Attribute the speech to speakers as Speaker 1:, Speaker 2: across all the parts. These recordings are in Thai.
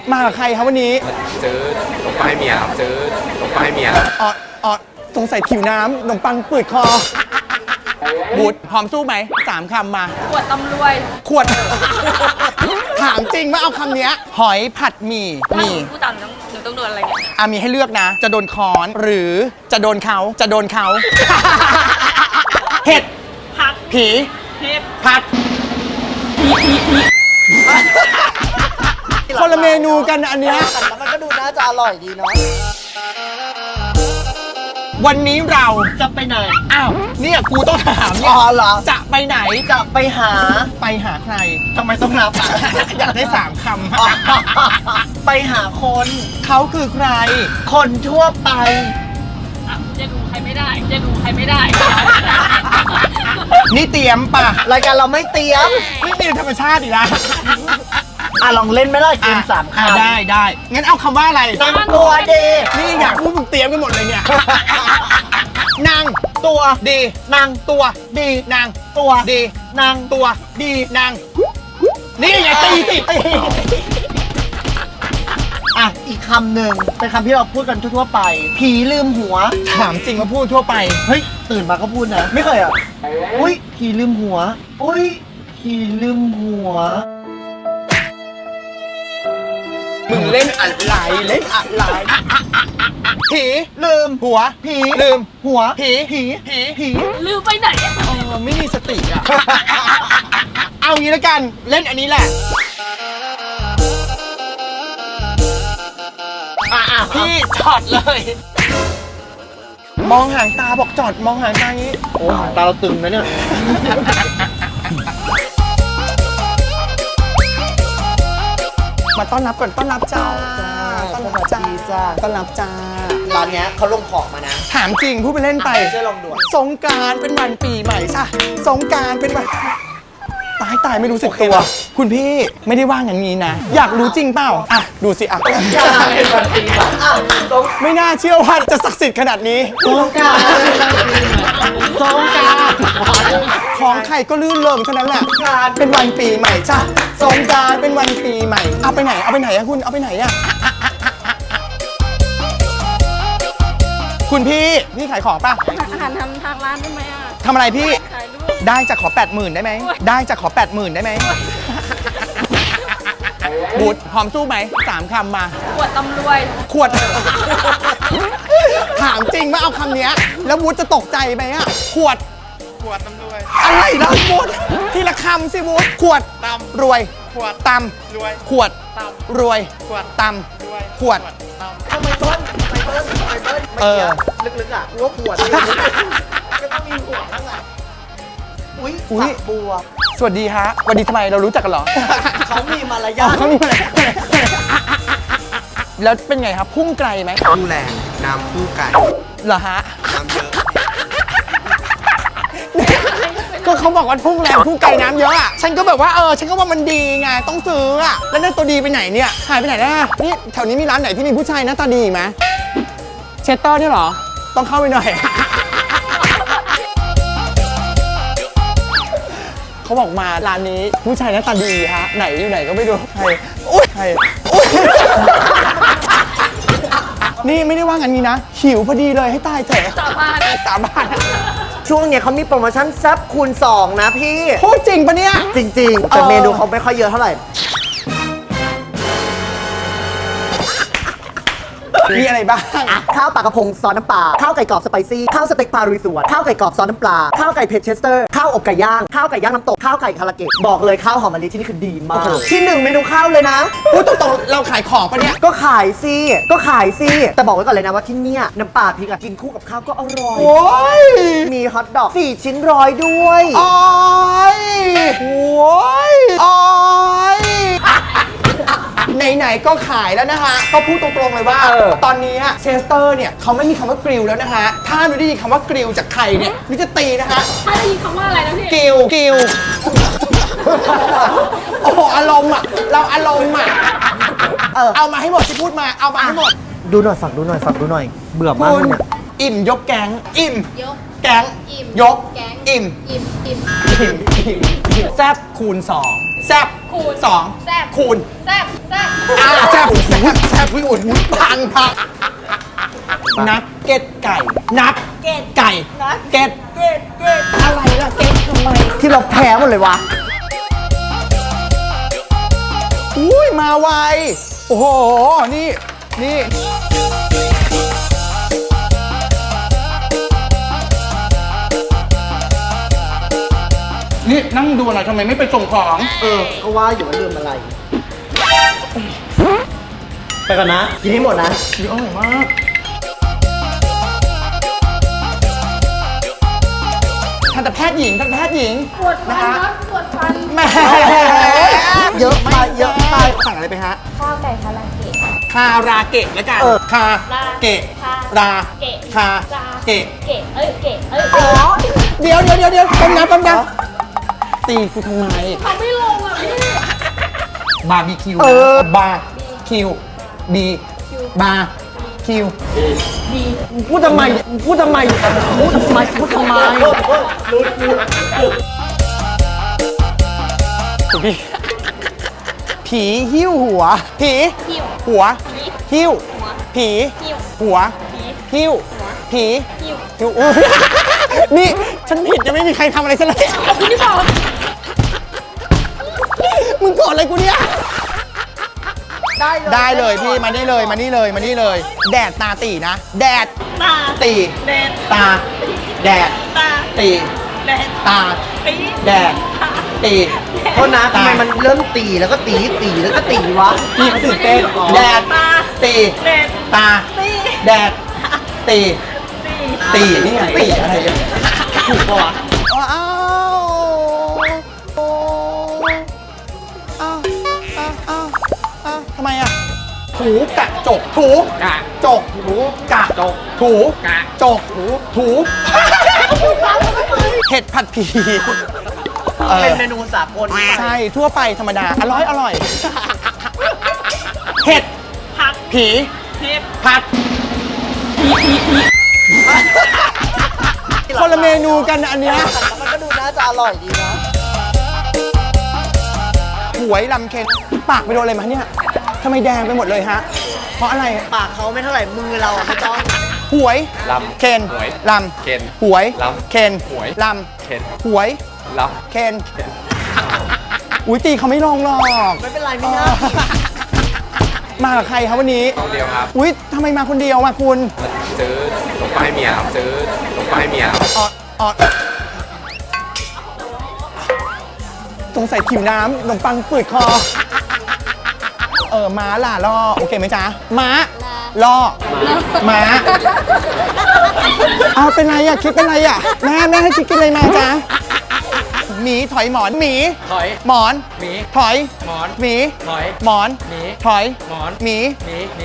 Speaker 1: มากับใครครับวันนี้
Speaker 2: เจอขนมปังให้เมียครับเจอขนมปังให้เมียครับ
Speaker 1: อ๋อสงสัยผิวน้ำขนมปังปืดคอบูดพร้อมสู้ไหม3 คำมา
Speaker 3: ขวดตำรวย
Speaker 1: ขวด ถามจริงว่าเอาคำเนี้ยหอยผัดหมี่
Speaker 3: พูดตามหนูต้องโดนอะไรเนี่ย
Speaker 1: มีให้เลือกนะ จะโดนค้อนหรือจะโดนเขาเห็ด
Speaker 3: ผัด
Speaker 1: ผี
Speaker 3: เห็ด
Speaker 1: ผัดคนละเมนูกันอันเนี้ย
Speaker 4: แต่มันก็ดูน่าจะอร่อยดีเนาะ
Speaker 1: วันนี้เรา
Speaker 4: จะไปไหน
Speaker 1: อ้าวเนี่ยกูต้องถามเนี่ย
Speaker 4: เหรอ
Speaker 1: จะไปไหน
Speaker 4: จะไปหา
Speaker 1: ใคร
Speaker 4: ทำไมต้องนับ
Speaker 1: อยากได้3 ค
Speaker 4: ำไปหาคน
Speaker 1: เขาคือใคร
Speaker 4: คนทั่วไป
Speaker 3: จะดูใครไม่ได้
Speaker 1: นี่เตรียมป่ะ
Speaker 4: รายการเราไม่เตรียม
Speaker 1: ไม่มีธรรมชาติอีกแล้ว
Speaker 4: ลองเล่นไหมล่ะเกม3 คำ
Speaker 1: ได้งั้นเอาคำว่าอะไร
Speaker 4: นางตัวดี
Speaker 1: นี่อยากพูดมึงเตรียมกันหมดเลยเนี่ยนาง
Speaker 4: ตัว
Speaker 1: ดี
Speaker 4: นาง
Speaker 1: ตัว
Speaker 4: ดี
Speaker 1: นาง
Speaker 4: ตัว
Speaker 1: ดี
Speaker 4: นาง
Speaker 1: ตัวดีนางนี่ไงตีสิ
Speaker 4: อีกคำหนึ่งเป็นคำที่เราพูดกันทั่วไปผีลืมหัว
Speaker 1: ถามจริงมาพูดทั่วไป
Speaker 4: เฮ้ยตื่นมาก็พูดนะไม่เคยอุ้ยผีลืมหัวอุ้ยผีลืมหัว
Speaker 1: มึงเล่นอะไรผี
Speaker 4: ลืม
Speaker 1: หัว
Speaker 4: ผี
Speaker 1: ลืม
Speaker 4: หัว
Speaker 1: ผี
Speaker 3: ลืมไปไหน
Speaker 1: ไม่มีสติอ่ะเอางี้แล้วกันเล่นอันนี้แหละพี่จอดเลยมองหางตาบอกจอดมองหางตาอย่างนี้
Speaker 4: โอ้ตาเราตึงนะเนี่ย
Speaker 1: มาต้อนรับก่อนต้อนรับจ้าต้อนรับจ้า
Speaker 4: ร้านเนี้ยเขาลงของมานะ
Speaker 1: ถามจริงพูดไปเล่นไป
Speaker 4: ช่วยลองดู
Speaker 1: สงกรานต์เป็นวันปีใหม่ใช่สงกรานต์เป็นวันตายไม่รู้สึกตัวคุณพี่ไม่ได้ว่าอย่างนี้นะอยากรู้จริงเปล่าดูสิไม่น่าเชื่อว่าจะศักดิ์สิทธิ์ขนาดนี้
Speaker 4: สงกรานต์
Speaker 1: ของใครก็ลื่นเริงเท่านั้นแหละเป็นวันปีใหม่จ้ะสงกรานต์เป็นวันปีใหม่เอาไปไหนอะคุณเอาไปไหนอะคุณพี่ขายของป่ะ
Speaker 3: อาหารทำทางร้านได้ไหม
Speaker 1: ทำอะไรพี่ได้จะขอ 80,000 ได้ไหมได้จะขอ 80,000 ได้ไหมบูดพร้อมสู้ไหม3 คำมา
Speaker 3: ขวดตำรวย
Speaker 1: ขวด ถามจริงว่าเอาคำเนี้ยแล้วบูดจะตกใจไหมอะขวดตำรวยอะไรล่ะบูดทีละคำสิบูดขวดตำรวยขวดตำรวยขวดตำรวยขวดตำรวยขวด
Speaker 4: ทำไมต้นลึกๆว่าขวดก็ต้องมีหัวข้างหลังอุ้ยบัว
Speaker 1: สวัสดีฮะสวัสดีทำไมเรารู้จักกันเหรอ
Speaker 4: เขามีมารยาท
Speaker 1: แล้วเป็นไงครับพุ่งไกลไหม
Speaker 2: พุ่งแรงน้ำพุ่งไกล
Speaker 1: เหรอฮะ
Speaker 2: น้ำเยอะ
Speaker 1: ก็เขาบอกว่าพุ่งแรงพุ่งไกลน้ำเยอะอ่ะฉันก็แบบว่าฉันก็ว่ามันดีไงต้องซื้ออ่ะแล้วนั่นตัวดีไปไหนเนี่ยหายไปไหนแล้วนี่แถวนี้มีร้านไหนที่มีผู้ชายหน้าตาดีไหมเชสเตอร์นี่เหรอต้องเข้าไปหน่อยเขาบอกมาร้านนี้ผู้ชายหน้าตาดีฮะไหนอยู่ไหนก็ไม่รู้ใครนี่ไม่ได้ว่างั้นนี้นะหิวพอดีเลยให้ตายเถอะ
Speaker 3: สาบาน
Speaker 4: ช่วงเนี้ยเขามีโปรโมชั่นแซ่บคูณ2นะพี่
Speaker 1: พูดจริงปะเนี่ย
Speaker 4: จริงๆแต่เมนูเขาไม่ค่อยเยอะเท่าไหร่
Speaker 1: มีอะไรบ้าง
Speaker 4: ข้าวปลากระพงซอสน้ำปลาข้าวไก่กรอบสไปซี่ข้าวสเต็กปลาลุยสวนข้าวไก่กรอบซอสน้ำปลาข้าวไก่เผ็ดเชสเตอร์ข้าวอบไก่ย่างข้าวไก่ย่างน้ำตกข้าวไก่คาราเกะบอกเลยข้าวหอมมะลิที่นี่คือดีมากที่1เมนูข้าวเลยนะ
Speaker 1: พูดตรงๆเราขายของปะเนี่ย
Speaker 4: ก็ขายสิแต่บอกไว้ก่อนเลยนะว่าที่เนี่ยน้ำปลาพริกกินคู่กับข้าวก็อร่อย
Speaker 1: โอ้ย
Speaker 4: มีฮอทดอก4 ชิ้น100ด้วย
Speaker 1: โอ้ยไหนๆก็ขายแล้วนะคะก็พูดตรงๆเลยว่าตอนนี้เชสเตอร์เนี่ยเขาไม่มีคำว่ากริลแล้วนะคะถ้าหนูได้ยินคำว่ากริลจากใครเนี่ยหนูจะตีนะคะ
Speaker 3: ถ้าได้ยินคำว่าอะไรนะพี่
Speaker 1: กริลโอ้โหอารมณ์อ่ะเราอารมณ์อ่ะเอามาให้หมดที่พูดมาเอามาให้หมด
Speaker 4: ดูหน่อยฝากดูหน่อยเบื่อมากเลยเนี่ย
Speaker 1: อิ่มยกแก๊งอิ่ม
Speaker 3: ยก
Speaker 1: แก๊งยกอิ่มแซ่บคูณ2แซ่บคูณ2แซ่บคูณแซ่บแซ่บวิ่งอุดพังนักเก็ตไก่นักเก็ตไก่เก็ตอะไรล่ะเก็ตทำไม
Speaker 4: ที่เราแพ้หมดเลยวะ
Speaker 1: อุ้ยมาไวโอ้โหนี่นี่นั่งดูอะไรทำไมไม่ไปส่งของ
Speaker 4: ก็ว่าอยู่ว่าลืมอะไร ไปก่อนนะ กินให้หมดนะ
Speaker 1: ดีอร่อยมากทันตแพทย์หญิง
Speaker 3: ปวดฟันครับปวดฟัน
Speaker 1: แหม่
Speaker 4: เยอะไปเยอะไป
Speaker 1: สั่งอะไรไปฮะ
Speaker 3: ข้าวไก่คาราเกะ
Speaker 1: คาราเกะแล้วกัน คาเกะ รา
Speaker 3: เกะ
Speaker 1: คาเกะ
Speaker 3: เกะเกะ
Speaker 1: อ๋อเดี๋ยวต้มน้ำตีกูทำไม
Speaker 3: ทำไม่ลงอ่ะพี่
Speaker 1: บาร์บีคิวบาร์คิวบีบาร์คิว
Speaker 4: พูดทำไม
Speaker 1: คุณพี่ผีหิ้วหัว ผี
Speaker 3: หิว
Speaker 1: หัว หิ้ว
Speaker 3: หัว
Speaker 1: ผี
Speaker 3: หิว
Speaker 1: หัว
Speaker 3: ผี
Speaker 1: หิ้ว ผี
Speaker 3: หิว
Speaker 1: หิ้วอุ๊ยนี่ฉันผิดจะไม่มีใครทำอะไรฉันเลย
Speaker 3: คุณที่บอก
Speaker 1: มึงโกรธอะไรกูเนี่ย ได้เลยพี่มานี่เลย แดดตาตีนะ แดด
Speaker 3: ตา
Speaker 1: ตี
Speaker 3: แดด
Speaker 1: ตา แดด
Speaker 3: ตา
Speaker 1: ตี
Speaker 3: แดด
Speaker 1: ตา
Speaker 3: ปี
Speaker 1: แดด ตี
Speaker 4: โทษนะทำไมมันเริ่มตีแล้วก็ตีแล้วก็ตีวะ
Speaker 1: พี่เขาตื่นเต้นแดด
Speaker 3: ตา
Speaker 1: ตี
Speaker 3: แดด
Speaker 1: ตา
Speaker 3: ตี
Speaker 1: แดด ตี
Speaker 3: ตี
Speaker 1: นี่ไงตีอะไรเนี่ยถูกปะวะอ้าวทำไมอ่ะถูกะจกถูกะจกถูกะจกถูกะจกถูเห็ดผัดผี
Speaker 4: เป็นเมนูสากล
Speaker 1: ใช่ทั่วไปธรรมดาอร่อยเห็ด
Speaker 3: ผัก
Speaker 1: ผี
Speaker 3: เห็ด
Speaker 1: ผัดคนละเมนูกันอันเนี้ย
Speaker 4: มันก็ดูน่าจะอร่อยดีนะ
Speaker 1: หวยลำเค็นปากไปโดนอะไรมาเนี่ยทำไมแดงไปหมดเลยฮะ เพราะอะไร
Speaker 4: ปากเขาไม่เท่าไหร่มือเราไม่ต้อง
Speaker 1: หวย
Speaker 2: ลำ
Speaker 1: เคน
Speaker 2: หวย
Speaker 1: ล
Speaker 2: เค็น
Speaker 1: ำหวย
Speaker 2: ลำ
Speaker 1: เคน
Speaker 2: หวย
Speaker 1: ล
Speaker 2: เค็น
Speaker 1: ำหวย
Speaker 2: ล
Speaker 1: เคนอุ้ยตีเขาไม่ลงหรอก
Speaker 4: ไม่เป็นไรไม่น่า
Speaker 1: มากับใครครับวันนี้
Speaker 2: ำเดียวครับ
Speaker 1: อุ้ยทำไมมาคนเดียวอ่ะคุณ
Speaker 2: ซื้อขนมปังให้เมียครับซื้อขนมปังให้เมียครับ
Speaker 1: ออดสงสัยขิวน้ำขนมปังปืดคอ ม้าล่ะล่อโอเคไหมจ๊ะ ม้าล่อม้าเอาเป็นไรอ่ะ คิดเป็นไรอ่ะ แม่ให้คิดกินอะไรมาจ๊ะหมีถอยหมอนหมี
Speaker 2: ถอย
Speaker 1: หมอน
Speaker 2: หมี
Speaker 1: ถอย
Speaker 2: หมอน
Speaker 1: หมี
Speaker 2: ถอย
Speaker 1: หมอน
Speaker 2: หมี
Speaker 1: ถอย
Speaker 2: หมอน
Speaker 1: หมี
Speaker 2: หมีหมี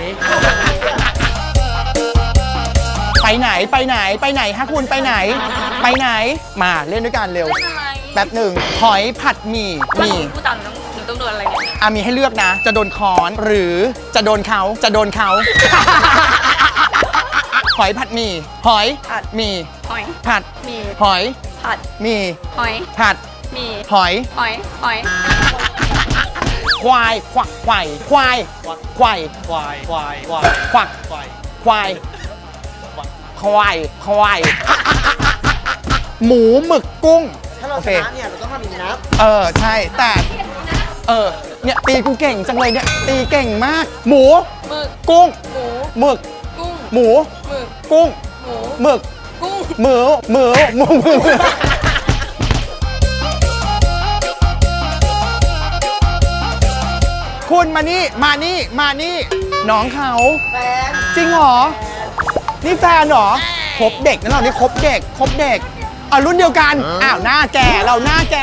Speaker 1: ไปไหนฮะคุณไปไหน มาเล่นด้วยกันเร็ว แป๊บหนึ่งหอยผัดหมี่
Speaker 3: กูต่างหนูต้องโดนอะไรเนี่ย
Speaker 1: มีให้เลือกนะ จะโดนค้อนหรือจะโดนเขา หอยผัดหมี่ หอย
Speaker 3: ผัด
Speaker 1: หมี่
Speaker 3: หอย
Speaker 1: ผัด
Speaker 3: มี
Speaker 1: หอย
Speaker 3: ผัด
Speaker 1: หมี่
Speaker 3: หอย
Speaker 1: ผัด
Speaker 3: มี
Speaker 1: หอย
Speaker 3: หอยหอย
Speaker 1: ควายควักไข่ควายควายควักควายหมูหมึกกุ้ง
Speaker 4: ถ้าเรา
Speaker 1: โอ
Speaker 4: ช
Speaker 1: เค
Speaker 4: นะเนี่ยเราต้องทำอย่างนี้นะ
Speaker 1: ใช่แต่เนี่ยตีกูเก่งจังเลยเนี่ยตีเก่งมาก หมู
Speaker 3: หมึก
Speaker 1: กุ้ง
Speaker 3: หมู
Speaker 1: หมึก
Speaker 3: กุ้ง
Speaker 1: หมู
Speaker 3: หมึก
Speaker 1: กุ้ง
Speaker 3: หมู
Speaker 1: หมึก
Speaker 3: กุ้ง
Speaker 1: หมูคุณมานี่น้องเขา
Speaker 4: แฟน
Speaker 1: จริงเหรอ นี่แฟนเหรอคบเด็กนะเรานี่คบเด็กรุ่นเดียวกัน อ้าวหน้าแก่เราหน้าแก่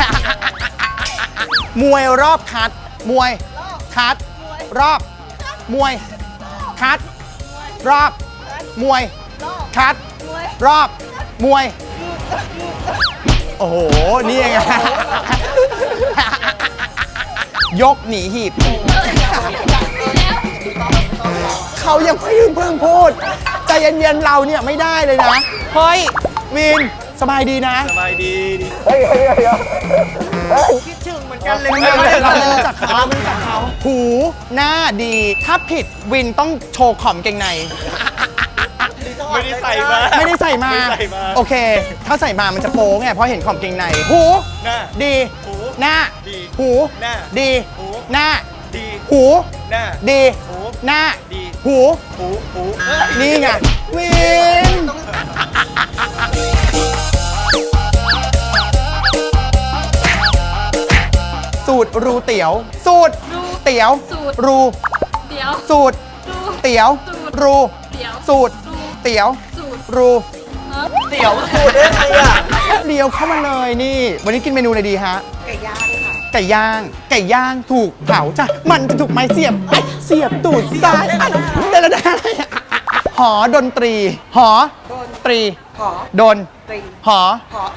Speaker 1: มวยรอบคัด มวย คัด รอบ มวย คัด รอบ มวย คัด รอบ มวย โอ้โห นี่ไง ยกหนีหีบ เขายังไม่เพิ่งพูด ใจเย็นๆเราเนี่ยไม่ได้เลยนะ เฮ้ย วิน สบายดีนะ
Speaker 2: สบายดี
Speaker 4: คิดถึงเหมือนกันเลย
Speaker 1: ไม่รู้จักเขาไม่รู้จักเขาหูหน้าดี ถ้าผิดวินต้องโชว์ขอมเกงใน
Speaker 2: ไม่ได้ใส่มา
Speaker 1: ไม่ได้ใส่มา
Speaker 2: ไม่ใส่มา
Speaker 1: โอเค ถ้าใส่มามันจะโป๊ไงเพราะเห็นขอมเกงใน หู
Speaker 2: หน้า
Speaker 1: ดี
Speaker 2: หู
Speaker 1: หน้า
Speaker 2: ดี
Speaker 1: หู
Speaker 2: หน้า
Speaker 1: ดี
Speaker 2: หู
Speaker 1: หน้า
Speaker 2: ดี
Speaker 1: หู
Speaker 2: หน้า
Speaker 1: ดี
Speaker 2: หู
Speaker 1: หน้า
Speaker 2: ดี
Speaker 1: หู
Speaker 2: หู
Speaker 1: นี่ไงวินสูตรรูเตี๋ยว สูตรเตี๋ยว
Speaker 3: สูตร
Speaker 1: รู
Speaker 3: เดี๋ยว
Speaker 1: สูตร
Speaker 3: ดู
Speaker 1: เตี๋ยว รู
Speaker 3: เดี๋ยว
Speaker 1: สูตร เตี๋ยว
Speaker 3: สูตร
Speaker 1: รู
Speaker 4: เตี๋ยวสูตรได้ไงอ่ะ
Speaker 1: เดียวเข้ามาเลยนี่ วันนี้กินเมนูอะไรดีฮะ
Speaker 4: ไก่ย่างค่ะ
Speaker 1: ไก่ย่าง ไก่ย่างถูกเผาจ้ะ มันจะถูกไม้เสียบไอ้เสียบตูดซ้ายไอ้แต่ละด้านหอดนตรี หอตรี
Speaker 4: หอ
Speaker 1: ดน
Speaker 4: ตรี
Speaker 1: หอ
Speaker 4: หอ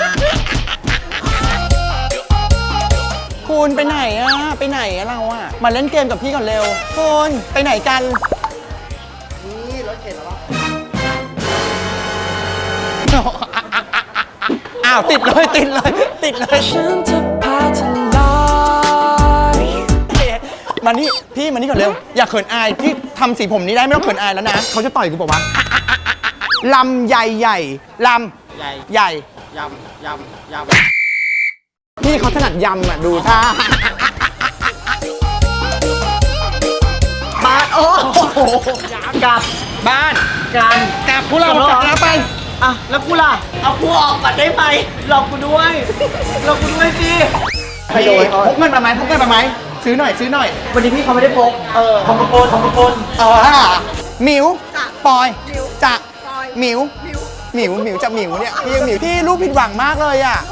Speaker 1: คุณไปไหนอะไปไหนอะเราอะมาเล่นเกมกับพี่ก่อนเร็วคุณไปไหนกัน
Speaker 4: นี่รถเข็นแล้ว
Speaker 1: อ้าวติดเลยติดเลยติดเลยมานี่พี่มานี่ก่อนเร็ว อย่าเขินอายที่ทำสีผมนี้ได้ไม่ต้องเขินอายแล้วนะเขาจะต่อยกูบอกว่าลำใหญ่ใหญ่ลำ
Speaker 2: ใหญ่
Speaker 1: ใหญ่
Speaker 2: ยำ
Speaker 1: พี่เขาถนัดยำอ่ะดูท่า
Speaker 4: บ้านโอ้โหกลับ
Speaker 1: บ้าน
Speaker 4: กัน
Speaker 1: กลับพวกเรากลับแล้วไป
Speaker 4: อ่ะแล้วกูล่ะ เอากูออกก่อนได้ไหมหลอกกูด้วยหลอกกูด้วยสิ
Speaker 1: พี่พกเงินมาไหมพกเงินมาไหมซื้อหน่อยซื้อหน่อย
Speaker 4: วันนี้พี่เขาไม่ได้พกของประกน
Speaker 1: หมิวปอยจะหมิวหมิวจะหมิวเนี่ยพี่ยังหมิวพี่ลูกผิดหวังมากเลยอ่ะ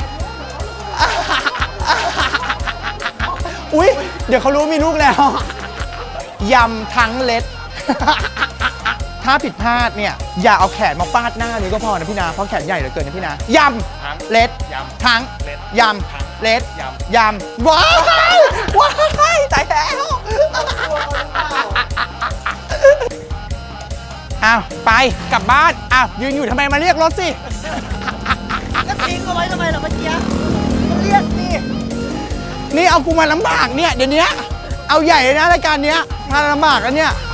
Speaker 1: อุ๊ยเดี๋ยวเขารู้มีลูกแล้วยำทั้งเล็ด ถ้าผิดพลาดเนี่ยอย่าเอาแขนมาฟาดหน้านี้ก็พอนะพี่นาเพราะแขนใหญ่เหลือเกินนะพี่นายำเล็ดทั้งยำเล็ดยำว้ายว้ายตายแล้วอ้าวไปกลับบ้านอ้าวยืนอยู่ทำไมมาเรียกรถสิ
Speaker 4: แล้วทิ้งเอาไว้ทำไมล่ะเมื่อกี้เรียกสิ
Speaker 1: นี่เอากูมาลำบากเนี่ยเดี๋ยวนี้เอาใหญ่เลยนะรายการเนี้ยมาลำบากแล้วเนี่ย